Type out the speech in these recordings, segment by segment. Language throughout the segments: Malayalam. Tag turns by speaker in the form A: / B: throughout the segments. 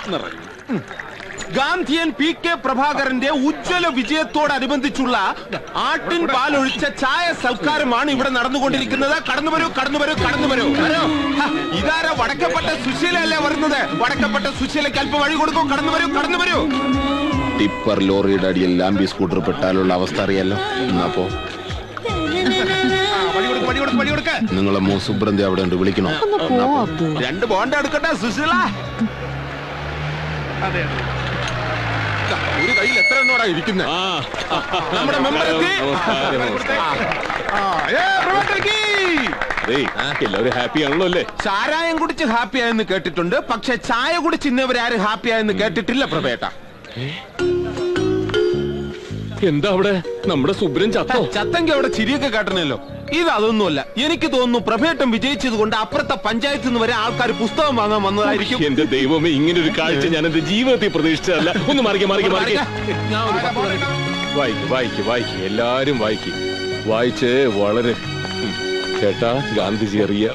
A: ഗാന്ധിയൻ P.K. പ്രഭാകരന്റെ ഉജ്ജ്വല വിജയത്തോടനുബന്ധിച്ചുള്ള ആട്ടിൻ പാലൊഴിച്ച ചായ സൽക്കാരമാണ് ഇവിടെ നടന്നുകൊണ്ടിരിക്കുന്നത്. കടന്നു വരൂ, കടന്നു വരൂ, കടന്നു വരൂ. ഇതാരാ? വടക്കപ്പെട്ട സുശീലല്ലേ വരുന്നത്? വടക്കപ്പെട്ട സുശീലയ്ക്ക് അല്പം വഴി കൊടുക്കൂ. കടന്നു വരൂ, കടന്നു വരൂ.
B: ടിപ്പർ ലോറിയുടെ അടിയിൽ ലാംബി സ്കൂട്ടർ പെട്ടാലുള്ള അവസ്ഥ അറിയാലോ. എന്നാപ്പോ നിങ്ങളെ സുബ്രന്തി അവിടെ ഉണ്ട്, വിളിക്കണോ?
A: 2 ബോണ്ട് എടുക്കട്ടെ സുശീല. ഒരു കയ്യിൽ എത്ര എണ്ണോടാ ഇരിക്കുന്നത്? നമ്മുടെ മെമ്പർ
B: എല്ലാവരും ഹാപ്പി ആണല്ലോ അല്ലേ?
A: ചാരായം കുടിച്ച് ഹാപ്പി ആയെന്ന് കേട്ടിട്ടുണ്ട്, പക്ഷെ ചായ കുടിച്ച് ഇന്നവരാരും ഹാപ്പി ആയെന്ന് കേട്ടിട്ടില്ല പ്രഭേട്ട.
B: എന്താ അവിടെ നമ്മുടെ സുബ്രൻ ചത്തോ?
A: ചത്തെങ്കിൽ അവിടെ ചിരിയൊക്കെ കേട്ടണല്ലോ. ഇതൊന്നുമല്ല, എനിക്ക് തോന്നുന്നു പ്രഭേട്ടം വിജയിച്ചത് കൊണ്ട് അപ്പുറത്തെ പഞ്ചായത്തിൽ നിന്ന് വരെ ആൾക്കാർ പുസ്തകം വാങ്ങാൻ വന്നതായിരിക്കും.
B: എന്റെ ദൈവമേ, ഇങ്ങനെ ഒരു കാഴ്ച ഞാൻ എന്റെ ജീവിതത്തിൽ പ്രതീക്ഷിച്ചതല്ല. ഒന്ന് മാറിക്ക് മാറിക്ക് മാറിക്ക്. വായിക്ക് വായിക്ക് വായിക്ക്, എല്ലാരും വായിക്ക്. വായിച്ച് വളരെ ചേട്ടാ ഗാന്ധിജി അറിയ.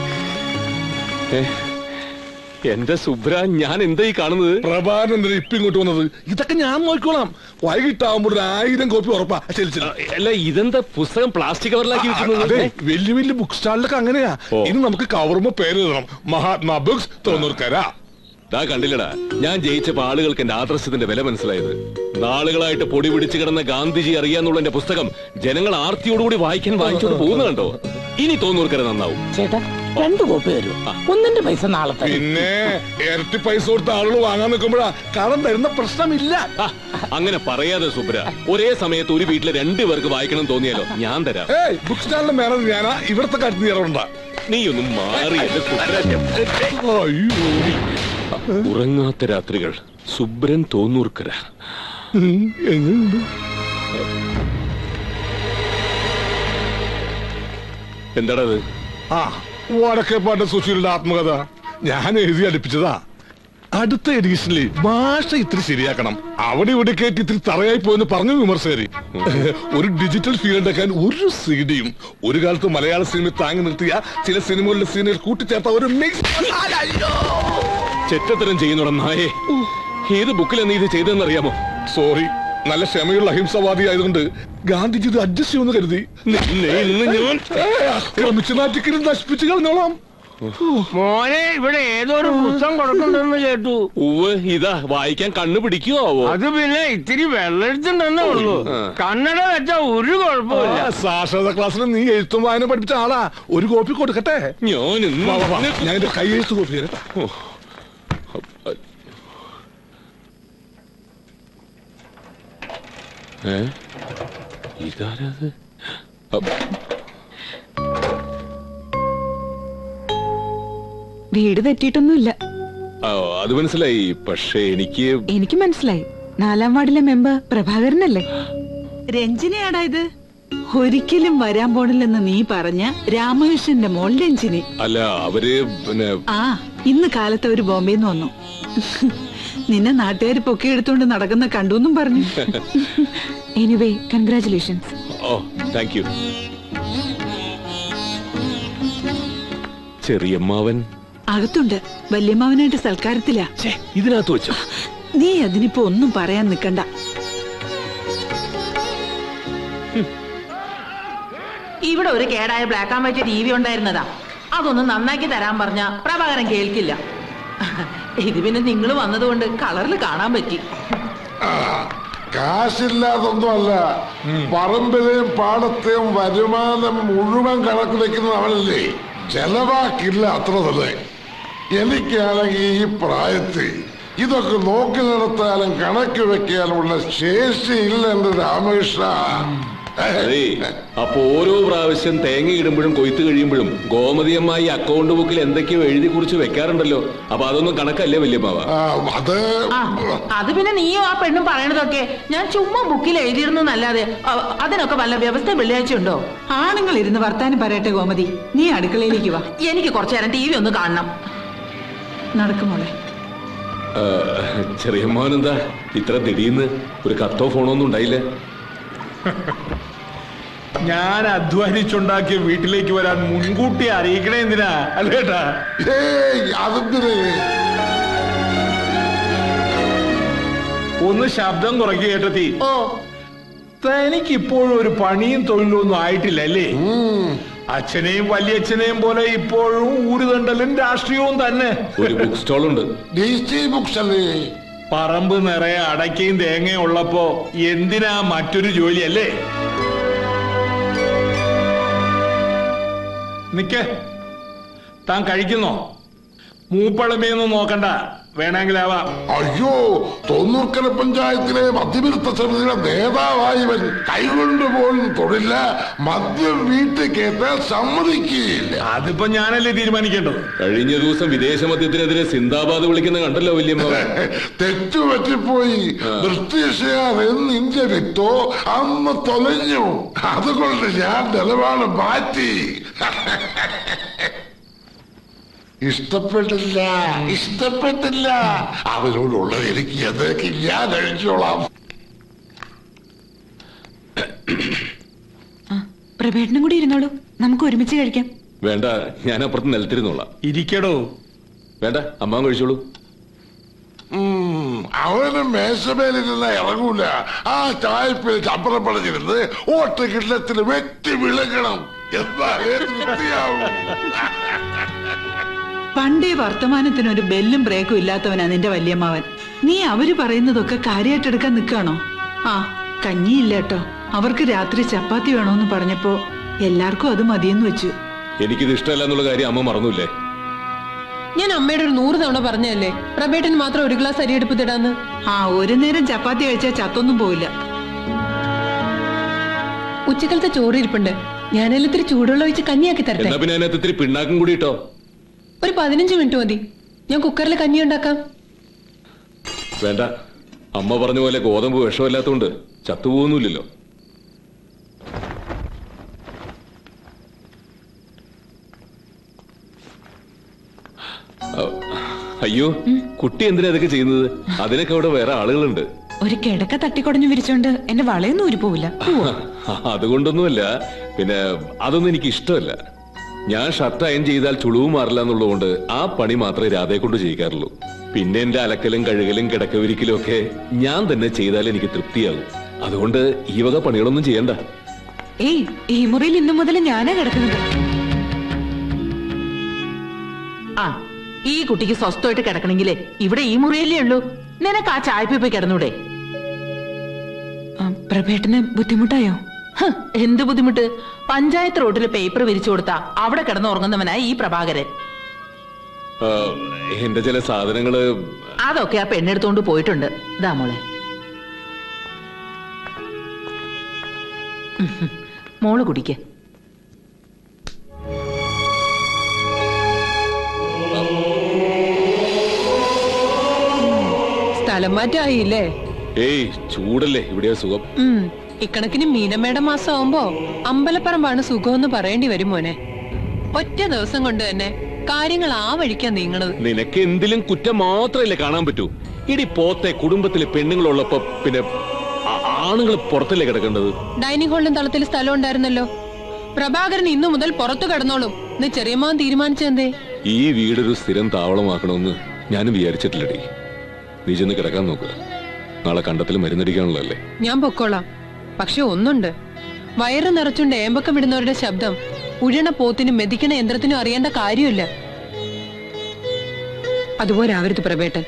B: എന്റെ സുബ്ര, ഞാൻ എന്താ ഈ കാണുന്നത്?
C: പ്രഭാകരൻ ഇപ്പൊ ഇങ്ങോട്ട് വന്നത്? ഇതൊക്കെ ഞാൻ നോക്കിക്കോളാം. വൈകിട്ടാവുമ്പോൾ 1000 കോപ്പി ഉറപ്പാ.
B: അല്ല, ഇതെന്താ പുസ്തകം പ്ലാസ്റ്റിക് കവറിലാക്കി വെക്കുന്നത്?
C: വലിയ വലിയ ബുക്ക് സ്റ്റാളിലൊക്കെ അങ്ങനെയാ. ഇനി നമുക്ക് കവറുമ്പോ പേര് എഴുതണം, മഹാത്മാ ബുക്സ് തോന്നൂർക്കര.
B: കണ്ടില്ലടാ, ഞാൻ ജയിച്ചപ്പോ ആളുകൾക്ക് എന്റെ ആദർശത്തിന്റെ വില മനസ്സിലായത്. നാളുകളായിട്ട് പൊടി പിടിച്ചു കിടന്ന ഗാന്ധിജി അറിയാന്നുള്ള എന്റെ പുസ്തകം ജനങ്ങൾ ആർത്തിയോടുകൂടി വായിക്കാൻ വാങ്ങിച്ചോണ്ട് പോകുന്ന കണ്ടോ? ഇനി തോന്നൂർക്കര നന്നാവും.
D: ചേട്ടാ 2 കോപ്പി തരും, 1ന്റെ പൈസ നാളെ.
C: പിന്നെ ഇരട്ടി പൈസ കൊടുത്ത ആളുകൾ വാങ്ങാൻ നിൽക്കുമ്പോഴാ കടം തരുന്ന പ്രശ്നമില്ല.
B: അങ്ങനെ പറയാതെ സുബ്ര, ഒരേ സമയത്ത് ഒരു വീട്ടിലെ 2 പേർക്ക് വായിക്കണം തോന്നിയാലോ ഞാൻ തരാം.
C: ബുക്ക് സ്റ്റാളിന്റെ മേനേജർ ഞാനാ, ഇവിടത്തെ കാര്യത്തിൽ ഇറവുണ്ടാ.
B: നീ ഒന്നും മാറി. ഉറങ്ങാത്ത രാത്രികൾ, സുബ്രൻ തോന്നൂർക്കര.
C: എങ്ങനെയുണ്ട്?
B: എന്താണത്?
C: വടക്കേപ്പാട്ട് സുശീലിന്റെ ആത്മകഥ ഞാൻ എഴുതി അടുപ്പിച്ചതാ. അടുത്ത എഡിഷനിൽ ഭാഷ ഇത്തിരി ശരിയാക്കണം, അവിടെ ഇവിടെ കേട്ട് ഇത്തിരി തറയായി പോയെന്ന് പറഞ്ഞു വിമർശകര്. ഒരു ഡിജിറ്റൽ ഫീൽ ഉണ്ടാക്കാൻ ഒരു സീഡിയും, ഒരു കാലത്ത് മലയാള സിനിമ താങ്ങി നിർത്തിയ ചില സിനിമകളുടെ സീനുകൾ കൂട്ടിച്ചേർത്ത ഒരു മിക്സ്.
B: ചെറ്റത്തരം ചെയ്യുന്നോടാ നായേ. ഏത് ബുക്കിലാണ് നീ ഇത് ചെയ്തതെന്നറിയാമോ?
C: സോറി, നല്ല ക്ഷമയുള്ള അഹിംസവാദി ആയതുകൊണ്ട് ഗാന്ധിജി ഇത് അഡ്ജസ്റ്റ് ചെയ്യുമെന്ന് കരുതി. ആക്രമിച്ച് നാറ്റിക്കലും നശിപ്പിച്ചു കളഞ്ഞോളാം.
D: മോനെ, ഇവിടെ ഏതൊരു പുസ്തകം കൊടുക്കണ്ടെന്ന് കേട്ടു.
B: ഇതാ വായിക്കാൻ കണ്ണു പിടിക്കുവോ?
D: അത് പിന്നെ ഇത്തിരി വെള്ളെടുത്തുണ്ടെന്നേ ഉള്ളൂ. കന്നഡ വെച്ചാ ഒരു കുഴപ്പമില്ല.
C: സാക്ഷരതാ ക്ലാസ്സിൽ നീ എഴുത്തും വായന പഠിപ്പിച്ച ആളാ. ഒരു കോപ്പി കൊടുക്കട്ടെ? ഞാൻ എന്റെ കൈ എഴുത്ത് കോപ്പി തരട്ടെ.
B: ഇതാരത്?
E: വീട് തെറ്റിയിട്ടൊന്നുമില്ല.
B: അത് മനസ്സിലായി, പക്ഷേ എനിക്ക്
E: മനസ്സിലായി. 4ാം വാർഡിലെ മെമ്പർ പ്രഭാകരനല്ലേ? രഞ്ജിനിയാടാ ഇത്. ഒരിക്കലും വരാൻ പോണില്ലെന്ന് നീ പറഞ്ഞ രാമകൃഷ്ണന്റെ മോൾ രഞ്ജിനി.
B: അല്ല, അവര് പിന്നെ
E: ഇന്ന് കാലത്ത് അവര് ബോംബെന്ന് വന്നു. നിന്നെ നാട്ടുകാർ പൊക്കിയെടുത്തോണ്ട് നടക്കുന്ന കണ്ടുവെന്നും പറഞ്ഞു. Anyway, congratulations.
B: Thank you. ചെറിയമ്മാവൻ
E: അകത്തുണ്ട്, വല്യമ്മാവനായിട്ട് സൽക്കാരത്തിലാ.
B: ഇതിനകത്ത് വെച്ചോ?
E: നീ അതിനിപ്പോ ഒന്നും പറയാൻ നിക്കണ്ട.
F: ഇവിടെ ഒരു കേടായ ബ്ലാക്ക് ആൻഡ് വൈറ്റ് TV ഉണ്ടായിരുന്നതാ. അതൊന്ന് നന്നാക്കി തരാൻ പറഞ്ഞ പ്രഭാകരൻ കേൾക്കില്ല. ഇത് പിന്നെ നിങ്ങൾ വന്നതുകൊണ്ട് കളറിൽ കാണാൻ പറ്റി.
G: കാശില്ലാതൊന്നുമല്ല, പറമ്പിലെയും പാടത്തെയും വരുമാനം മുഴുവൻ കണക്ക് വെക്കുന്ന അവനല്ലേ. ചെലവാക്കില്ല, അത്ര തന്നെ. എനിക്കാണെങ്കിൽ ഈ പ്രായത്തിൽ ഇതൊക്കെ നോക്കി നടത്താനും കണക്ക് വെക്കാനുമുള്ള ശേഷിയില്ല എന്റെ രാമകൃഷ്ണ.
B: അപ്പൊ ഓരോ പ്രാവശ്യം തേങ്ങ ഇടുമ്പോഴും കൊയ്ത്ത് കഴിയുമ്പോഴും ഗോമതിയമ്മായി അക്കൗണ്ട് ബുക്കിൽ എന്തൊക്കെയോ എഴുതി കുറിച്ച് വെക്കാറുണ്ടല്ലോ. അപ്പൊ അതൊന്നും കണക്കല്ലേ വല്യമ്മാവ?
F: അത് പിന്നെ നീയോ ആ പെണ്ണും പറയണതൊക്കെ ഞാൻ ചുമ്മാ ബുക്കിൽ എഴുതിയിരുന്നല്ലാതെ അതിനൊക്കെ വല്ല വ്യവസ്ഥ വെള്ളിയാഴ്ച ഉണ്ടോ?
E: ആണുങ്ങൾ ഇരുന്ന് വർത്താനം പറയട്ടെ ഗോമതി, നീ അടുക്കളയിലേക്ക് വാ.
F: എനിക്ക് കുറച്ചു നേരം TV ഒന്ന് കാണണം.
E: നടക്കുമോളെ.
B: ചെറിയമ്മാവനെന്താ ഇത്ര ദിടീന്ന്? ഒരു കത്തോ ഫോണോ ഒന്നും ഉണ്ടായില്ല?
H: ഞാൻ അധ്വാനിച്ചുണ്ടാക്കിയ വീട്ടിലേക്ക് വരാൻ മുൻകൂട്ടി അറിയിക്കണേ എന്തിനാ? അല്ലേട്ടാ? ഒന്ന് ശബ്ദം കുറയ്ക്കുക കേട്ടത്തി.
F: ഓ
H: തനിക്ക് ഇപ്പോഴും ഒരു പണിയും തൊഴിലും ഒന്നും ആയിട്ടില്ല അല്ലേ? അച്ഛനെയും വലിയച്ഛനെയും പോലെ ഇപ്പോഴും ഊരുതണ്ടലും രാഷ്ട്രീയവും തന്നെ.
B: ഒരു ബുക്ക് സ്റ്റോൾ ഉണ്ട്.
G: DC ബുക്സ് അല്ലേ?
H: പറമ്പ് നിറയെ അടയ്ക്കയും തേങ്ങയും ഉള്ളപ്പോ എന്തിനാ മറ്റൊരു ജോലി അല്ലേ? നിക്ക്, താൻ കഴിക്കുന്നോ? മൂപ്പളമയൊന്നും നോക്കണ്ട, വേണമെങ്കിലാവാം.
G: അയ്യോ, തൊണ്ണൂർക്കര പഞ്ചായത്തിലെ മദ്യവിരുദ്ധ സമിതിയുടെ നേതാവായവൻ കൈകൊണ്ട് പോലും തൊടില്ല, മദ്യം വീട്ടിൽ കയറ്റാൻ സമ്മതിക്കുകയില്ല.
H: അതിപ്പോ ഞാനല്ലേ തീരുമാനിക്കേണ്ടത്.
B: കഴിഞ്ഞ ദിവസം വിദേശ മദ്യത്തിനെതിരെ സിന്ദാബാദ് വിളിക്കുന്ന കണ്ടല്ലോ വല്യമ്മ.
G: തെറ്റുപറ്റിപ്പോയി. ബ്രിട്ടീഷുകാർ എന്ന് ഇന്ത്യ വിട്ടോ അന്ന് തൊലഞ്ഞു. അതുകൊണ്ട് ഞാൻ നിലപാട് മാറ്റി. ഇഷ്ടപ്പെട്ടില്ല. അവരോടുള്ളത് എനിക്ക് എന്തൊക്കെ ഞാൻ കഴിച്ചോളാം.
E: പ്രഭേട്ടനും കൂടി ഇരുന്നോളൂ, നമുക്ക് ഒരുമിച്ച് കഴിക്കാം.
B: വേണ്ട, ഞാൻ അപ്പുറത്ത് നിലത്തിരുന്നോളാം.
H: ഇരിക്കടോ.
B: വേണ്ട, അമ്മ കഴിച്ചോളൂ.
G: അവന് മേശമേലിരുന്ന ഇറങ്ങൂല. ആ ചായപ്പിൽ ചപ്പറം പടഞ്ഞിരുന്ന് ഓട്ട് കിണ്ണത്തിന് വെട്ടി വിളങ്ങണം. എന്നാലേ തൃപ്തിയാവും.
E: പണ്ടേ വർത്തമാനത്തിനൊരു ബെല്ലും ബ്രേക്കും ഇല്ലാത്തവനാ നിന്റെ വല്യമ്മാവൻ. നീ അവര് പറയുന്നതൊക്കെ കാര്യമായിട്ടെടുക്കാൻ നിൽക്കാണോ? ആ, കഞ്ഞിയില്ല കേട്ടോ. അവർക്ക് രാത്രി ചപ്പാത്തി വേണോന്ന് പറഞ്ഞപ്പോ എല്ലാവർക്കും അത് മതിയെന്ന് വെച്ചു.
B: എനിക്കിത് ഇഷ്ടമല്ല എന്നുള്ള കാര്യം അമ്മ മറന്നൂല്ലേ?
I: ഞാൻ അമ്മയുടെ ഒരു 100 തവണ പറഞ്ഞല്ലേ പ്രഭേട്ടന് മാത്രം ഒരു ഗ്ലാസ് അരി എടുപ്പത്തിടാന്ന്.
E: ആ, ഒരു നേരം ചപ്പാത്തി കഴിച്ചാൽ ചത്തൊന്നും പോവില്ല.
I: ഉച്ചക്കലത്തെ ചോറ് ഇരിപ്പുണ്ട്, ഞാനെല്ലാം ഇത്തിരി ചൂടുവെള്ളം ഒഴിച്ച് കഞ്ഞിയാക്കി തരട്ടെ?
B: എന്നാ പിന്നെ അതിനകത്ത് ഇത്തിരി പിണ്ണാക്കും കൂടി ഇട്ടോ.
I: ഒരു 15 മിനിറ്റ് മതി, ഞാൻ കുക്കറിൽ കഞ്ഞി ഉണ്ടാക്കാം.
B: വേണ്ട, അമ്മ പറഞ്ഞ പോലെ ഗോതമ്പ് വിഷമല്ലാത്തോണ്ട് ചത്തുപോകുന്നില്ലല്ലോ. അയ്യോ, കുട്ടി എന്തിനാ ഇതൊക്കെ ചെയ്യുന്നത്? അതിനൊക്കെ അവിടെ വേറെ ആളുകളുണ്ട്.
E: ഒരു കിടക്ക തട്ടിക്കൊടഞ്ഞു വിരിച്ചോണ്ട് എന്റെ വളയൊന്നും ഊരി പോവില്ല.
B: അതുകൊണ്ടൊന്നുമല്ല, പിന്നെ അതൊന്നും എനിക്ക് ഇഷ്ടമല്ല. ഞാൻ ഷർട്ട് അയൺ ചെയ്താൽ ചുളിവ് മാറില്ല എന്നുള്ളതുകൊണ്ട് ആ പണി മാത്രമേ രാധയെ കൊണ്ട് ചെയ്യിക്കാറുള്ളൂ. പിന്നെ എന്റെ അലക്കലും കഴുകലും കിടക്കവിരിക്കലും ഒക്കെ ഞാൻ തന്നെ ചെയ്താൽ എനിക്ക് തൃപ്തിയാകും. അതുകൊണ്ട് ഈ വക പണികളൊന്നും ചെയ്യണ്ട.
E: ഏയ്, ഈ മുറിയിൽ ഇന്നു മുതൽ ഞാനാ കിടക്കുന്നത്.
F: ആ, ഈ കുട്ടിക്ക് സ്വസ്ഥമായിട്ട് കിടക്കണെങ്കിലേ ഇവിടെ ഈ മുറിയല്ലേ ഉള്ളൂ. നിനക്ക് ആ ചായപ്പി പോയി കിടന്നൂടെ?
E: പ്രഭേട്ടന് ബുദ്ധിമുട്ടായോ?
F: എന്ത് ബുദ്ധിമുട്ട്? പഞ്ചായത്ത് റോഡിൽ പേപ്പർ വിരിച്ചു കൊടുത്താ അവിടെ കിടന്ന് ഉറങ്ങുന്നവനാ ഈ പ്രഭാകരൻ.
B: എന്റെ ചില സാധനങ്ങള്
F: അതൊക്കെ ആ പെണ്ണെടുത്തോണ്ട് പോയിട്ടുണ്ട്. ഇതാ മോളെ. മോള് കുടിക്ക്.
I: സ്ഥലം മാറ്റായില്ലേ?
B: ഏയ്, ചൂടല്ലേ, ഇവിടെയാ സുഖം.
I: ഇക്കണക്കിന് മീനമ്മയുടെ മാസം ആവുമ്പോ അമ്പലപ്പറമ്പാണ് സുഖമെന്ന് പറയേണ്ടി വരും മോനെ. ഒറ്റ ദിവസം കൊണ്ട് തന്നെ കാര്യങ്ങൾ ആ വഴിക്കാ നീങ്ങണത്.
B: നിനക്ക് എന്തിലും കുറ്റം മാത്രമല്ലേ കാണാൻ പറ്റൂ. ഇടി പോത്തെ, കുടുംബത്തിലെ പെണ്ണുങ്ങളുള്ളപ്പോ പിന്നെ ആണുങ്ങൾ പുറത്തല്ലേ കിടക്കേണ്ടത്?
I: ഡൈനിങ് ഹാളിലും തളത്തിൽ സ്ഥലം ഉണ്ടായിരുന്നല്ലോ. പ്രഭാകരൻ ഇന്നു മുതൽ പുറത്തു കിടന്നോളും എന്ന് ചെറിയമ്മൻ തീരുമാനിച്ചെന്തേ?
B: ഈ വീടൊരു സ്ഥിരം താവളമാക്കണമെന്ന് ഞാനും വിചാരിച്ചിട്ടില്ലടി. നീ ചെന്ന് കിടക്കാൻ നോക്കുക. നാളെ കണ്ടത്തിൽ മരുന്നടിക്കാനുള്ളതല്ലേ.
I: ഞാൻ പൊക്കോളാം. പക്ഷെ ഒന്നുണ്ട്, വയറ് നിറച്ചുകൊണ്ട് ഏമ്പക്കം വിടുന്നവരുടെ ശബ്ദം ഉഴണ പോത്തിനും മെതിക്കണ യന്ത്രത്തിനും അറിയേണ്ട കാര്യമില്ല. അതുപോലെ ആവരുത് പ്രഭേട്ടൻ.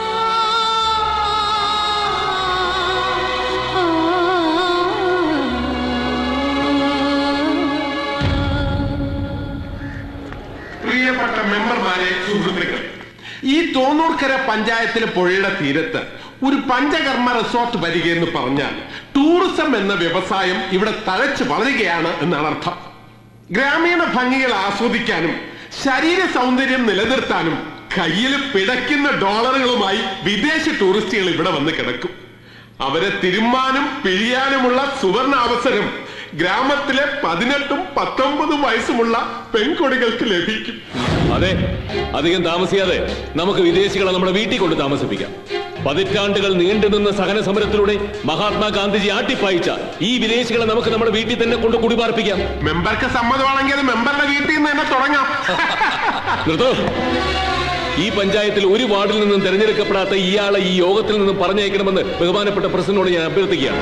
A: പ്രിയപ്പെട്ട മെമ്പർമാരെ, സുഹൃത്തുക്കളെ, ഈ തോന്നൂർക്കര പഞ്ചായത്തിലെ പുഴയുടെ തീരത്ത് ഒരു പഞ്ചകർമ്മ റിസോർട്ട് വരികയെന്ന് പറഞ്ഞാൽ ടൂറിസം എന്ന വ്യവസായം ഇവിടെ തഴച്ചു വളരുകയാണ് എന്നാണ് അർത്ഥം. ഗ്രാമീണ ഭംഗികൾ ആസ്വദിക്കാനും ശരീര സൗന്ദര്യം നിലനിർത്താനും കയ്യിൽ പിടയ്ക്കുന്ന ഡോളറുകളുമായി വിദേശ ടൂറിസ്റ്റുകൾ ഇവിടെ വന്ന് കിടക്കും. അവരെ തിരുമ്മാനും പിഴിയാനുമുള്ള സുവർണ അവസരം ഗ്രാമത്തിലെ 18ഉം 19ഉം വയസ്സുമുള്ള പെൺകൊടികൾക്ക് ലഭിക്കും.
B: അതെ, അധികം താമസിയാതെ നമുക്ക് വിദേശികളെ നമ്മുടെ വീട്ടിൽ കൊണ്ട് താമസിപ്പിക്കാം. പതിറ്റാണ്ടുകൾ നീണ്ടുനിന്ന സഹന സമരത്തിലൂടെ മഹാത്മാഗാന്ധിജി ആട്ടിപ്പായിച്ച ഈ വിദേശികളെ നമുക്ക് നമ്മുടെ വീട്ടിൽ തന്നെ കൊണ്ട് കുടിപാർപ്പിക്കാം.
A: മെമ്പർക്ക് സമ്മതമാണെങ്കിൽ അത് മെമ്പറുടെ വീട്ടിൽ നിന്ന് തന്നെ തുടങ്ങാം.
B: നിർത്തോ. ഈ പഞ്ചായത്തിൽ ഒരു വാർഡിൽ നിന്നും തെരഞ്ഞെടുക്കപ്പെടാത്ത ഇയാളെ ഈ യോഗത്തിൽ നിന്നും പറഞ്ഞയക്കണമെന്ന് ബഹുമാനപ്പെട്ട പ്രസിഡന്റിനോട് ഞാൻ അഭ്യർത്ഥിക്കുകയാണ്.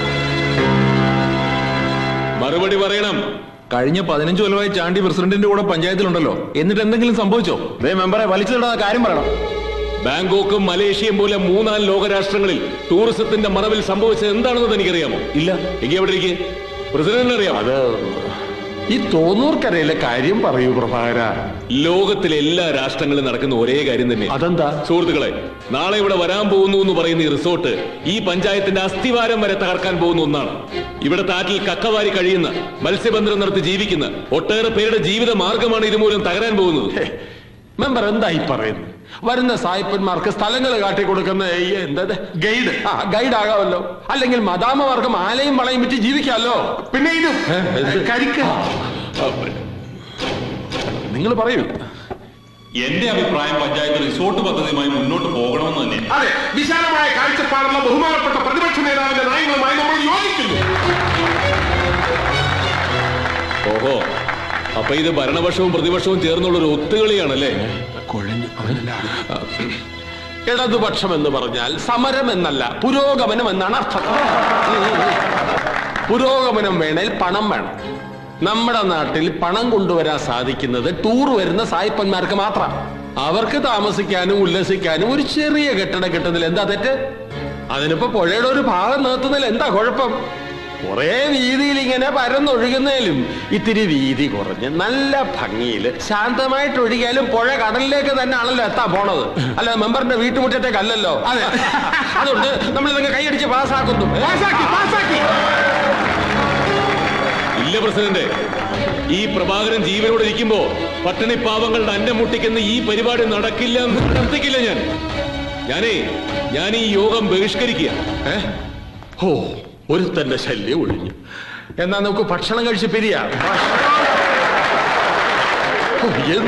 B: മറുപടി പറയണം.
J: കഴിഞ്ഞ 15 കൊല്ലമായി ചാണ്ടി പ്രസിഡന്റിന്റെ കൂടെ പഞ്ചായത്തിലുണ്ടല്ലോ, എന്നിട്ട് എന്തെങ്കിലും സംഭവിച്ചോ?
H: മെമ്പറെ വലിച്ചിടാതെ കാര്യം പറയണം.
B: ബാങ്കോക്കും മലേഷ്യയും പോലെ 3-4 ലോകരാഷ്ട്രങ്ങളിൽ ടൂറിസത്തിന്റെ മറവിൽ സംഭവിച്ചത് എന്താണെന്ന് എനിക്കറിയാമോ?
H: ഇല്ല.
B: എങ്കിൽ എവിടെ ഇരിക്കെ? പ്രസിഡന്റിന് അറിയാം.
H: അത് ഈ തോന്നൂർക്കരയിലെ കാര്യം പറയൂ പ്രഭാകര.
B: ലോകത്തിലെ എല്ലാ രാഷ്ട്രങ്ങളിലും നടക്കുന്ന ഒരേ കാര്യം തന്നെ.
H: അതെന്താ?
B: സുഹൃത്തുക്കളെ, നാളെ ഇവിടെ വരാൻ പോകുന്നു എന്ന് പറയുന്ന ഈ റിസോർട്ട് ഈ പഞ്ചായത്തിന്റെ അസ്ഥിവാരം വരെ തകർക്കാൻ പോകുന്ന ഒന്നാണ്. ഇവിടെ താറ്റിൽ കക്കവാരി കഴിയുന്ന, മത്സ്യബന്ധനം നടത്തി ജീവിക്കുന്ന ഒട്ടേറെ പേരുടെ ജീവിത മാർഗമാണ് ഇതുമൂലം തകരാൻ പോകുന്നത്.
H: മെമ്പർ എന്തായി പറയുന്നു? വരുന്ന സായിപ്പന്മാർക്ക് സ്ഥലങ്ങൾ കാട്ടിക്കൊടുക്കുന്ന എന്താ ഗൈഡ് ഗൈഡ് ആകാമല്ലോ. അല്ലെങ്കിൽ മദാമമാർക്ക് മാലയും വളയും വിറ്റ് ജീവിക്കാമല്ലോ. പിന്നെ ഇത് നിങ്ങൾ പറയൂ.
K: എന്റെ അഭിപ്രായം പഞ്ചായത്ത് റിസോർട്ട് പദ്ധതിയുമായി മുന്നോട്ട് പോകണമെന്ന് തന്നെ.
A: അതെ, വിശാലമായ കാഴ്ചപ്പാടുള്ള ബഹുമാനപ്പെട്ട പ്രതിപക്ഷ നേതാവിന്റെ നയങ്ങളുമായി നമ്മൾ യോജിക്കുന്നു.
B: ഓഹോ, അപ്പൊ ഇത് ഭരണപക്ഷവും പ്രതിപക്ഷവും ചേർന്നുള്ള ഒരു ഒത്തുകളിയാണല്ലേ?
H: ഇടതുപക്ഷം എന്ന് പറഞ്ഞാൽ സമരം എന്നല്ല, പുരോഗമനം എന്നാണ് അർത്ഥം. പുരോഗമനം വേണേൽ പണം വേണം. നമ്മുടെ നാട്ടിൽ പണം കൊണ്ടുവരാൻ സാധിക്കുന്നത് ടൂർ വരുന്ന സായിപ്പന്മാർക്ക് മാത്രം. അവർക്ക് താമസിക്കാനും ഉല്ലസിക്കാനും ഒരു ചെറിയ കെട്ടിടം കിട്ടുന്നതിൽ എന്താ തെറ്റ്? അതിനിപ്പോ പുഴയുടെ ഒരു ഭാഗം നിർത്തുന്നതിൽ എന്താ കുഴപ്പം? കുറെ വീതിയിൽ ഇങ്ങനെ പരന്നൊഴുകുന്നതിലും ഇത്തിരി വീതി കുറഞ്ഞ് നല്ല ഭംഗിയിൽ ശാന്തമായിട്ട് ഒഴുകിയാലും പുഴ കടലിലേക്ക് തന്നെ ആണല്ലോ എത്താൻ പോണത്. അല്ല, മെമ്പറിന്റെ വീട്ടുമുറ്റത്തേക്കല്ലല്ലോ. അതെ, അതുകൊണ്ട് നമ്മൾ ഇതൊക്കെ കൈയടിച്ച് പാസ്സാക്കുന്നു.
B: ഇല്ല പ്രസിഡന്റ്, ഈ പ്രഭാകരൻ ജീവനോടെ ഇരിക്കുമ്പോ പട്ടിണി പാവങ്ങളുടെ അന്നം മുട്ടിക്കുന്ന ഈ പരിപാടി നടക്കില്ല എന്ന് പ്രവർത്തിക്കില്ല. ഞാൻ ഈ യോഗം ബഹിഷ്കരിക്കുക.
H: ഓ, ഒരുത്തന്റെ ശല്യം ഒഴിഞ്ഞു. എന്നാ നമുക്ക് ഭക്ഷണം കഴിച്ച് പിരിയാം.